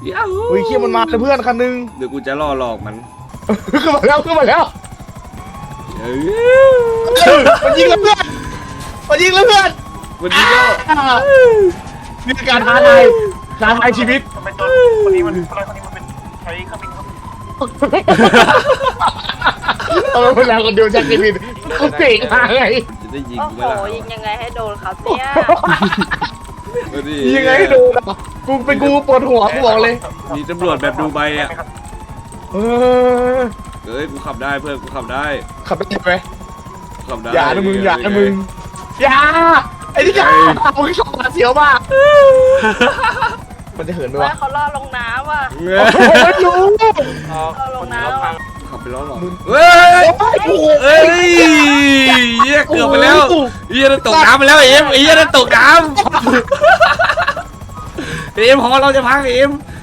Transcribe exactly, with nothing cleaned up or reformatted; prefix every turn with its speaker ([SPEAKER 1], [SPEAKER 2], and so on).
[SPEAKER 1] ยาฮู
[SPEAKER 2] เฮ้ยเขี้ยมันมาเลยเพื่อนคันนึง
[SPEAKER 1] เดี๋ยวกูจะล่อหลอกมัน
[SPEAKER 2] ขึ้นมาแล้วขึ้นมาแล้ว
[SPEAKER 1] เอ้ย
[SPEAKER 2] มันยิงแล้วเพื่อนมันยิงแล้วเพื่อน
[SPEAKER 1] วันนี้ก็
[SPEAKER 2] นี่คือการท้าทายท้าทายชีวิต
[SPEAKER 3] ทำไมตัวคนนี้มันคนนี้มันเป็นใช้เครื่องบินครับ
[SPEAKER 2] เออเวลาคนเดียวจากชีวิตเขาเก่งมากไง
[SPEAKER 1] จะได้ยิง
[SPEAKER 4] โอ้
[SPEAKER 1] กู
[SPEAKER 4] โห
[SPEAKER 1] ไหมล่ะ
[SPEAKER 4] ยิงยังไงให้โดนครับเนี่ย
[SPEAKER 1] เอาดิ
[SPEAKER 2] ยังไงให้ดูนะกูเป็นกูปวดหัวกูบอกเลย
[SPEAKER 1] มีตำรวจแบบดูใบอ่ะ
[SPEAKER 2] เออ
[SPEAKER 1] เอ้ยกูขับได้เพื่อนกูขับได้
[SPEAKER 2] ขับได้ไหม
[SPEAKER 1] กูขับได้
[SPEAKER 2] อย่านะมึงอย่านะมึงอย่าไอ้ที่อย่ามึงชอบมาเสียวมากมันจะเหินไหม
[SPEAKER 4] เพื่อ
[SPEAKER 2] วะ
[SPEAKER 4] นเขาล่อลงน้ำว่ะ
[SPEAKER 1] เอ้ย
[SPEAKER 2] ไม่รู้
[SPEAKER 4] ล่อลงน้ำว่ะ
[SPEAKER 1] ขับไปแล้วหรอเฮ้ยเอ้ยเหี้ยเกือบไปแล้วเหี้ยจะตกน้ำไปแล้วเอ็มเหี้ยจะตกน้ำเอ็มพอเราจะพังเอ็ม